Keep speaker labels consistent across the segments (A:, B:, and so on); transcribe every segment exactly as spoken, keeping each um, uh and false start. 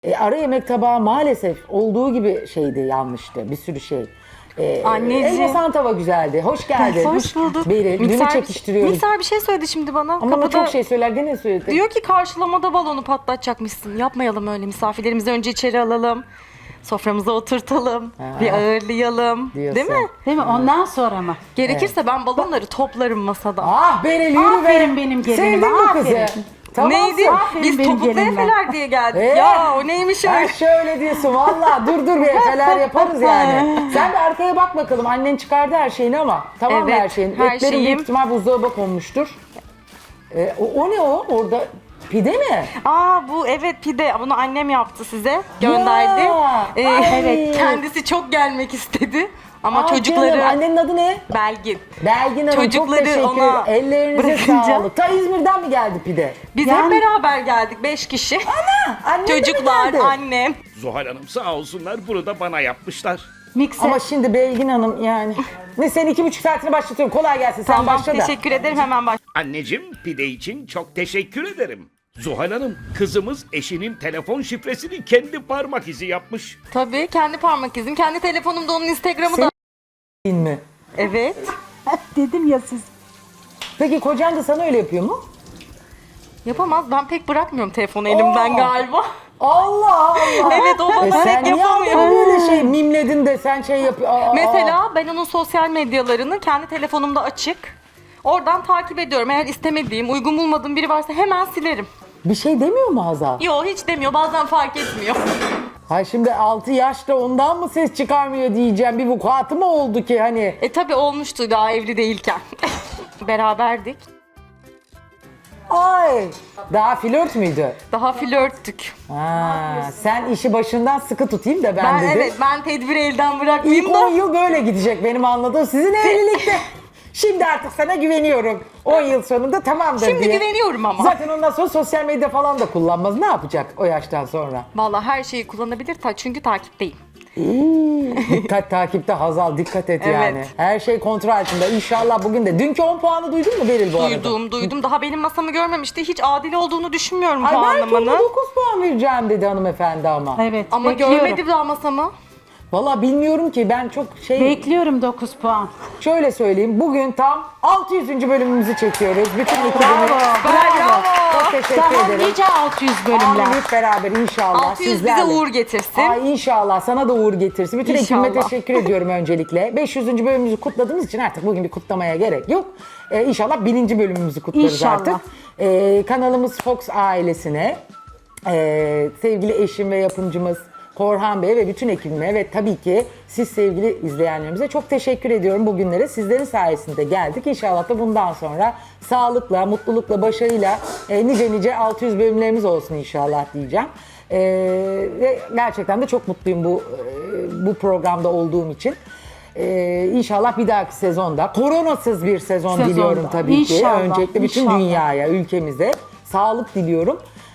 A: E, ara yemek tabağı maalesef olduğu gibi şeydi, yanlıştı. Bir sürü şey. E,
B: Anneciğim.
A: Elmasan tava güzeldi. Hoş geldin.
B: Hoş bulduk.
A: Beril, dünü
B: Mikser-
A: çekiştiriyoruz.
B: Mikser bir şey söyledi şimdi bana.
A: Ama o
B: Kapıda
A: çok şey söyler, gene söyledi.
B: diyor ki karşılamada balonu patlatacakmışsın. Yapmayalım öyle. Misafirlerimizi önce içeri alalım. Soframıza oturtalım.
A: Ha.
B: Bir ağırlayalım.
A: Diyorsun.
B: Değil mi?
C: Değil mi? Ondan sonra mı?
B: Gerekirse ben balonları toplarım masada.
A: Ah Beril, yürü be.
C: Aferin benim gelinime,
A: Sevdin bu kızı.
C: aferin.
B: Neydi?
C: aferin
B: Biz
C: benim
B: topuklu
C: gelinime.
B: efeler diye geldik.
A: Ee?
B: Ya o neymiş
A: Her
B: öyle?
A: şöyle diyorsun valla, dur dur bir efeler yaparız yani. Sen bir arkaya bak bakalım, annen çıkardı her şeyini ama tamam mı
B: Evet,
A: her şeyin?
B: her
A: Etlerin
B: şeyim.
A: büyük ihtimal buzdolabına konmuştur. Ee, o, o ne o orada, pide mi?
B: Aa bu evet pide. Bunu annem yaptı size. Gönderdi.
A: Ya,
B: Ee,
A: ay.
B: evet. Kendisi çok gelmek istedi. Ama
A: Aa,
B: çocukları
A: canım, annenin adı ne?
B: Belgin.
A: Belgin Hanım,
B: Çocukları
A: çok teşekkür ederim.
B: ona
A: Ellerinize
B: bırakınca-
A: sağlık. Ta İzmir'den mi geldi pide?
B: Biz
C: Yani-
B: hep beraber geldik. Beş kişi.
A: Annen de mi
B: Çocuklar,
A: geldi?
B: annem.
D: Zuhal Hanım sağ olsunlar bunu da bana yapmışlar.
C: Mikser.
A: Ama şimdi Belgin Hanım yani. Ne, sen iki buçuk saatini başlatıyorum. Kolay gelsin, sen
B: Tamam
A: başla da.
B: teşekkür ederim hemen baş.
D: Anneciğim pide için çok teşekkür ederim. Zuhal Hanım kızımız eşinin telefon şifresini kendi parmak izi yapmış.
B: Tabii kendi parmak izim. Kendi telefonumda onun Instagram'ı
A: Senin-
B: da.
A: Değil mi?
B: Evet.
C: Dedim ya siz.
A: Peki kocan da sana öyle yapıyor mu?
B: Yapamaz. Ben pek bırakmıyorum telefonu elimden
A: Oo.
B: galiba.
A: Allah Allah.
B: Evet o bana
A: E sen
B: pek
A: niye adamı
B: yapamıyor.
A: böyle şey mimledin de sen şey yapıyor.
B: Mesela ben onun sosyal medyalarını kendi telefonumda açık. Oradan takip ediyorum. Eğer istemediğim, uygun bulmadığım biri varsa hemen silerim.
A: Bir şey demiyor mu Hazal?
B: Yo hiç demiyor. Bazen fark etmiyor.
A: Hay şimdi altı yaşta ondan mı ses çıkarmıyor diyeceğim. Bir vukuatı mı oldu ki hani?
B: E tabii olmuştu daha evli değilken. Beraberdik.
A: Ay. Daha flört müydü?
B: Daha flörttük.
A: Ha, sen işi başından sıkı tutayım da ben,
B: Ben
A: dedim.
B: evet ben tedbiri elden
A: İlk
B: bırakmayayım
A: on
B: da.
A: yıl böyle gidecek benim anladığım. Sizin evlilikte. Şimdi artık sana güveniyorum. on yıl sonunda tamamdır
B: Şimdi
A: diye.
B: güveniyorum ama.
A: Zaten ondan sonra sosyal medya falan da kullanmaz. Ne yapacak o yaştan sonra?
B: Vallahi her şeyi kullanabilir ta çünkü takipteyim.
A: İyi. Dikkat takipte Hazal, dikkat et
B: Evet.
A: yani. Her şey kontrol altında. İnşallah bugün de. Dünkü on puanı duydun mu Beril bu arada?
B: Duydum duydum. Daha benim masamı görmemişti. Hiç adil olduğunu düşünmüyorum
A: Ay belki ona
B: puanlamanın.
A: dokuz puan vereceğim dedi hanımefendi ama.
C: Evet.
B: Ama
C: bekliyorum.
B: görmedi daha masamı.
A: Valla bilmiyorum ki, ben çok şey...
C: Bekliyorum dokuz puan.
A: Şöyle söyleyeyim, bugün tam altı yüzüncü bölümümüzü çekiyoruz. Bütün ekibimi...
C: Bravo.
A: Çok teşekkür
C: Daha
A: ederim.
C: nice altı yüz bölümler.
A: Amin, hep beraber inşallah.
B: altı yüz bize
A: sizlerle.
B: uğur getirsin.
A: Ay inşallah, sana da uğur getirsin. Bütün ekibime
B: İnşallah.
A: teşekkür ediyorum öncelikle. beş yüzüncü bölümümüzü kutladığımız için artık bugün bir kutlamaya gerek yok. Ee, inşallah bininci bölümümüzü kutlarız
C: İnşallah.
A: artık. Ee, kanalımız Fox ailesine, ee, sevgili eşim ve yapımcımız Korhan Bey ve bütün ekibime ve tabii ki siz sevgili izleyenlerimize çok teşekkür ediyorum bugünlere. Sizlerin sayesinde geldik. İnşallah da bundan sonra sağlıkla, mutlulukla, başarıyla e, nice nice altı yüz bölümlerimiz olsun inşallah diyeceğim. E, ve gerçekten de çok mutluyum bu e, bu programda olduğum için. E, inşallah bir dahaki sezonda koronasız bir sezon
C: Sezonda.
A: diliyorum tabii
C: İnşallah,
A: ki. Öncelikle bütün
C: inşallah.
A: dünyaya, ülkemize sağlık diliyorum.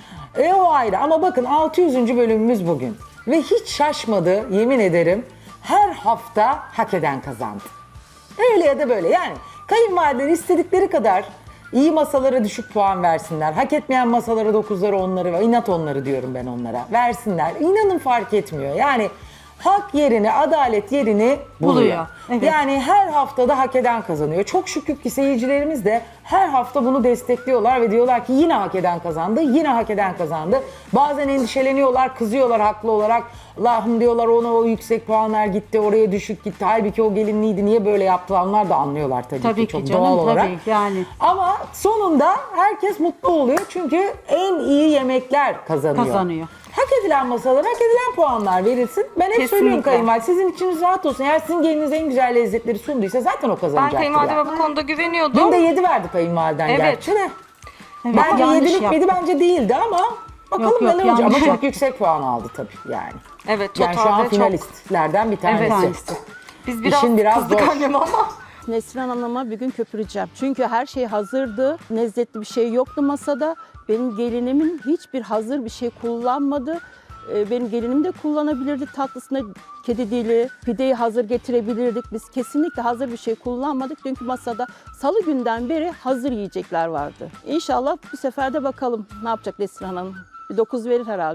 A: E o ayrı ama bakın altı yüzüncü bölümümüz bugün. Ve hiç şaşmadı yemin ederim, her hafta hak eden kazandı. Öyle ya da böyle yani kayınvalideler istedikleri kadar iyi masalara düşük puan versinler. Hak etmeyen masalara dokuzları onları ve inat onları diyorum ben onlara. Versinler. İnanın fark etmiyor. Yani hak yerini, adalet yerini buluyor.
C: Buluyor, evet.
A: Yani her haftada hak eden kazanıyor. Çok şükür ki seyircilerimiz de her hafta bunu destekliyorlar ve diyorlar ki yine hak eden kazandı, yine hak eden kazandı. Bazen endişeleniyorlar, kızıyorlar haklı olarak. Allah'ım diyorlar, ona o yüksek puanlar gitti, oraya düşük gitti. Halbuki o gelinliydi, niye böyle yaptı, onlar da anlıyorlar tabii,
C: Tabii
A: ki çok
C: ki canım,
A: doğal olarak.
C: tabii yani.
A: Ama sonunda herkes mutlu oluyor çünkü en iyi yemekler kazanıyor.
C: Kazanıyor.
A: Hak edilen masalara hak edilen puanlar verilsin. Ben hep
B: Kesinlikle.
A: söylüyorum kayınvalide, sizin içiniz rahat olsun. Eğer sizin geliniz en güzel lezzetleri sunduysa zaten o
B: Ben
A: kazanacaktır.
B: kayınvalideme
A: yani.
B: bu konuda
A: Dün
B: güveniyordum.
A: de yedi verdi kayınvaliden
B: Evet.
A: gerçi de.
C: Evet,
A: Bence
C: yanlış
A: yedilik
C: yaptı.
A: miydi? Bence değildi ama bakalım
C: Yok, yok,
A: neler olacak.
C: yanlış
A: Ama çok
C: yaptı.
A: yüksek puan aldı tabii yani.
B: Evet
A: Yani şu an
B: totalde çok.
A: finalistlerden bir tanesi.
B: Evet.
C: Tanesi.
B: Biz biraz,
A: İşin biraz
B: kızdık
A: zor.
B: anneme ama.
E: Neslihan Hanım'a bir gün köpüreceğim. Çünkü her şey hazırdı. Lezzetli bir şey yoktu masada. Benim gelinimin hiçbir hazır bir şey kullanmadı. Ee, Benim gelinim de kullanabilirdi tatlısına kedi dili, pideyi hazır getirebilirdik. Biz kesinlikle hazır bir şey kullanmadık. Çünkü masada salı günden beri hazır yiyecekler vardı. İnşallah bu sefer de bakalım ne yapacak Neslihan Hanım. Bir dokuz verir herhalde.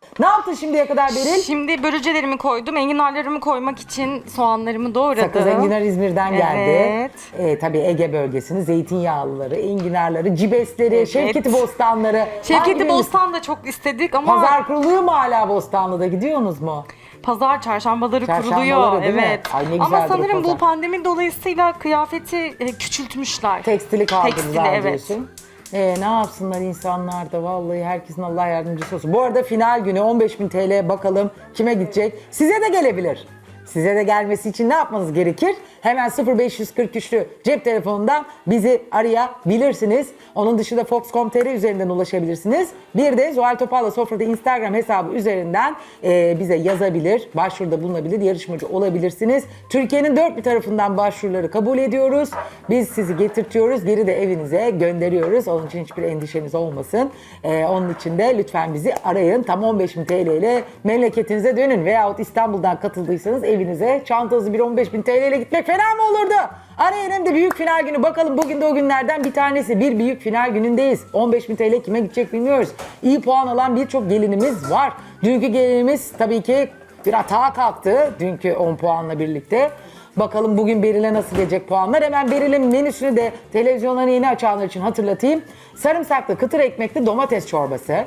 A: Ne yaptın şimdiye kadar Beril?
B: Şimdi börülcelerimi koydum. Enginarlarımı koymak için soğanlarımı doğradım.
A: Sakız enginar İzmir'den geldi.
B: Evet.
A: Ee, tabii Ege bölgesinin zeytinyağlıları, enginarları, cibesleri,
B: Evet.
A: Şevketi Bostanları.
B: Şevketi
A: Hangi
B: Bostan da çok istedik ama
A: Pazar
B: pazar,
A: kuruluyor mu hala Bostanlı'da? Gidiyorsunuz mu?
B: çarşambaları
A: Çarşambaları
B: kuruluyor.
A: değil mi?
B: Evet.
A: Ay ne
B: Ama
A: güzeldir o
B: sanırım
A: pazar.
B: bu pandemi dolayısıyla kıyafeti e, küçültmüşler.
A: Tekstili kaldırdılar
B: Tekstili, evet.
A: diyorsun. Ee, ne yapsınlar insanlar da vallahi herkesin Allah yardımcısı olsun. Bu arada final günü on beş bin T L bakalım kime gidecek? Size de gelebilir. Size de gelmesi için ne yapmanız gerekir? Hemen sıfır beş yüz kırk üçlü cep telefonundan bizi arayabilirsiniz. Onun dışında fox nokta com nokta tr üzerinden ulaşabilirsiniz. Bir de Zuhal Topal'la Sofra'da Instagram hesabı üzerinden e, bize yazabilir, başvuruda bulunabilir, yarışmacı olabilirsiniz. Türkiye'nin dört bir tarafından başvuruları kabul ediyoruz. Biz sizi getirtiyoruz, geri de evinize gönderiyoruz. Onun için hiçbir endişeniz olmasın. E, onun için de lütfen bizi arayın. Tam on beş bin T L ile memleketinize dönün. Veyahut İstanbul'dan katıldıysanız evinize çantanızı bir on beş bin T L ile gitmek fena mı olurdu? Arayın hem de büyük final günü. Bakalım bugün de o günlerden bir tanesi. Bir büyük final günündeyiz. on beş bin T L kime gidecek bilmiyoruz. İyi puan alan birçok gelinimiz var. Dünkü gelinimiz tabii ki bir atağa kalktı. Dünkü on puanla birlikte. Bakalım bugün Beril'e nasıl gelecek puanlar. Hemen Beril'in menüsünü de televizyonları yeni açanlar için hatırlatayım. Sarımsaklı kıtır ekmekli domates çorbası.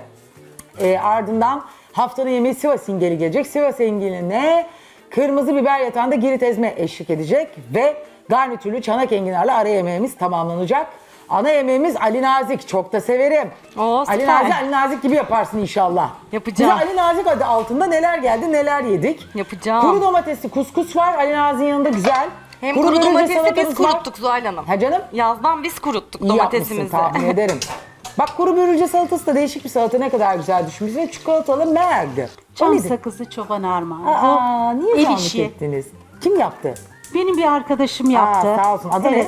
A: E, ardından haftanın yemeği Sivas ingeli gelecek. Sivas ingeline kırmızı biber yatağında girit ezme eşlik edecek ve garnitürlü çanak enginarla ara yemeğimiz tamamlanacak. Ana yemeğimiz Ali Nazik. Çok da severim.
B: Oo,
A: Ali
B: süper.
A: Nazik, Ali Nazik gibi yaparsın inşallah.
B: Yapacağım.
A: Bize Ali Nazik adı altında neler geldi, neler yedik.
B: Yapacağım.
A: Kuru domatesli kuskus var. Ali Nazik'in yanında güzel.
B: Hem kuru,
A: börülce
B: domatesi biz
A: salatamız var.
B: kuruttuk Zuhal Hanım.
A: Ha canım?
B: Yazdan biz kuruttuk
A: İyi yapmışsın,
B: domatesimizi.
A: tahmin ederim. Bak kuru börülce salatası da değişik bir salata, ne kadar güzel düşmüş. Ve çikolatalı merdi. O
C: Çam
A: nedir?
C: sakızı çoban armağanı.
A: Aa,
C: Bu
A: niye
C: el
A: zahmet
C: işi.
A: ettiniz? Kim yaptı?
C: Benim bir arkadaşım yaptı.
A: Aa, sağ olsun. Adı
C: evet.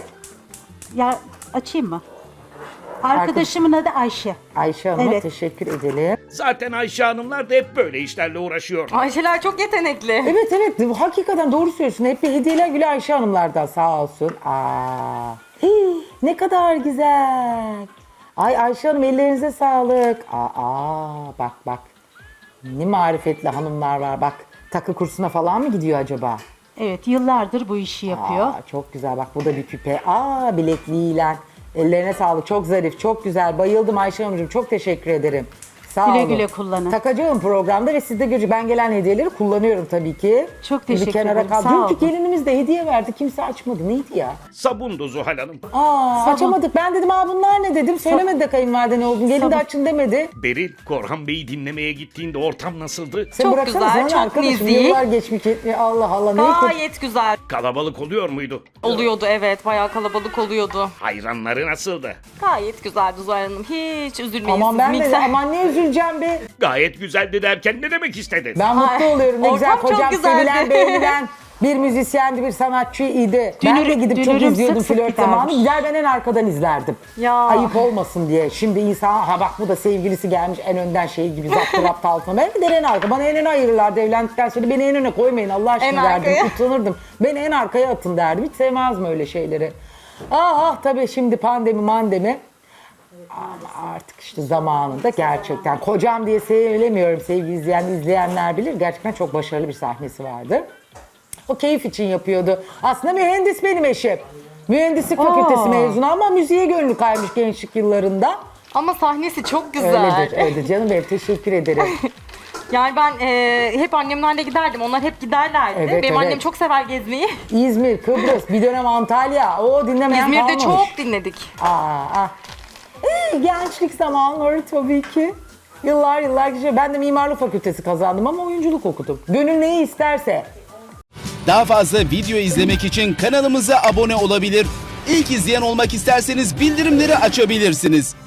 C: Ya açayım mı? Arkadaşımın adı Ayşe.
A: ne? Ayşe Hanım'a
C: Evet.
A: teşekkür edelim.
D: Zaten Ayşe Hanımlar da hep böyle işlerle uğraşıyor.
B: Ayşeler çok yetenekli.
A: Evet evet, hakikaten doğru söylüyorsun. Hep bir hediyeler Gül Ayşe Hanımlardan sağ olsun. Aa, hii, ne kadar güzel. Ay Ayşe Hanım ellerinize sağlık. Aa, bak bak. Ne marifetli hanımlar var bak. Takı kursuna falan mı gidiyor acaba?
C: Evet, yıllardır bu işi yapıyor.
A: Aa, çok güzel bak, bu da bir küpe. Aa, bilekliğiyle. Ellerine sağlık, çok zarif, çok güzel. Bayıldım Ayşe Hanımcığım, çok teşekkür ederim. Sağ
C: Güle
A: olun.
C: güle kullanın.
A: Takacağım programda ve siz de göreceksiniz. Ben gelen hediyeleri kullanıyorum tabii ki.
C: Çok
A: Bir
C: teşekkür
A: kenara
C: ederim,
A: kal-
C: sağ
A: Dünkü
C: olun.
A: gelinimiz de hediye verdi, kimse açmadı. Neydi ya?
D: Sabundu Zuhal Hanım.
A: Aa,
C: Sabun.
A: açamadık. Ben dedim aa bunlar ne dedim. Söylemedi de kayınvalide ne olduğunu. Gelin de
C: Sabun.
A: açın demedi.
D: Beril, Korhan Bey'i dinlemeye gittiğinde ortam nasıldı?
A: Sen
B: Çok
A: bıraksana,
B: güzel,
A: sana
B: çok
A: arkadaşım.
B: nezih.
A: Yıllar geçmiş gitmiyor. Allah Allah. Ne kötü.
B: Gayet güzel
D: Kalabalık oluyor muydu?
B: oluyordu, evet. Bayağı kalabalık oluyordu.
D: Hayranları nasıldı?
B: Gayet güzeldi Zuhal Hanım. Hiç üzülmeyin
A: Aman
B: siz.
A: ben de
B: mikser.
A: aman ne üzüleceğim be.
D: Gayet güzeldi derken ne demek istedin?
A: Ben mutlu
B: Ay,
A: oluyorum. Ne güzel
B: ortam çok
A: kocam
B: güzeldi.
A: sevilen, beğenilen bir müzisyendi, bir sanatçıydı. ben de
C: Dünürüm-
A: gidip çok
C: dünürüm
A: izliyordum
C: sık sık
A: flört
C: gidermiş.
A: zamanı. Gider ben en arkadan izlerdim.
B: Ya.
A: Ayıp olmasın diye. Şimdi insan ha bak bu da sevgilisi gelmiş en önden şey gibi zaptı raptı altına. Ben gider en arka. Bana en öne ayırırlardı evlendikten sonra. Beni en öne koymayın Allah aşkına
B: En
A: derdim.
B: arkaya.
A: Utanırdım. Beni en arkaya atın derdim. Hiç sevmezdim öyle şeyleri. Ah ah tabii şimdi pandemi mandemi. Ama artık işte zamanında gerçekten kocam diye söylemiyorum, sevgili izleyen izleyenler bilir, gerçekten çok başarılı bir sahnesi vardı. O keyif için yapıyordu. Aslında mühendis benim eşim. Mühendislik fakültesi mezunu ama müziğe gönlü kaymış gençlik yıllarında.
B: Ama sahnesi çok güzel.
A: Öyledir, öyledir canım benim, teşekkür ederim.
B: Yani ben e, hep annemlerle giderdim. Onlar hep giderlerdi.
A: Evet,
B: Benim
A: evet.
B: annem çok sever gezmeyi.
A: İzmir, Kıbrıs, bir dönem Antalya, o dinlemeyen
B: İzmir'de
A: kalmamış.
B: çok dinledik.
A: Aa, ah. Ee, gençlik zamanları tabii ki. Yıllar yıllar geçiyor. Ben de mimarlık fakültesi kazandım ama oyunculuk okudum. Gönül neyi isterse.
F: Daha fazla video izlemek için kanalımıza abone olabilir. İlk izleyen olmak isterseniz bildirimleri açabilirsiniz.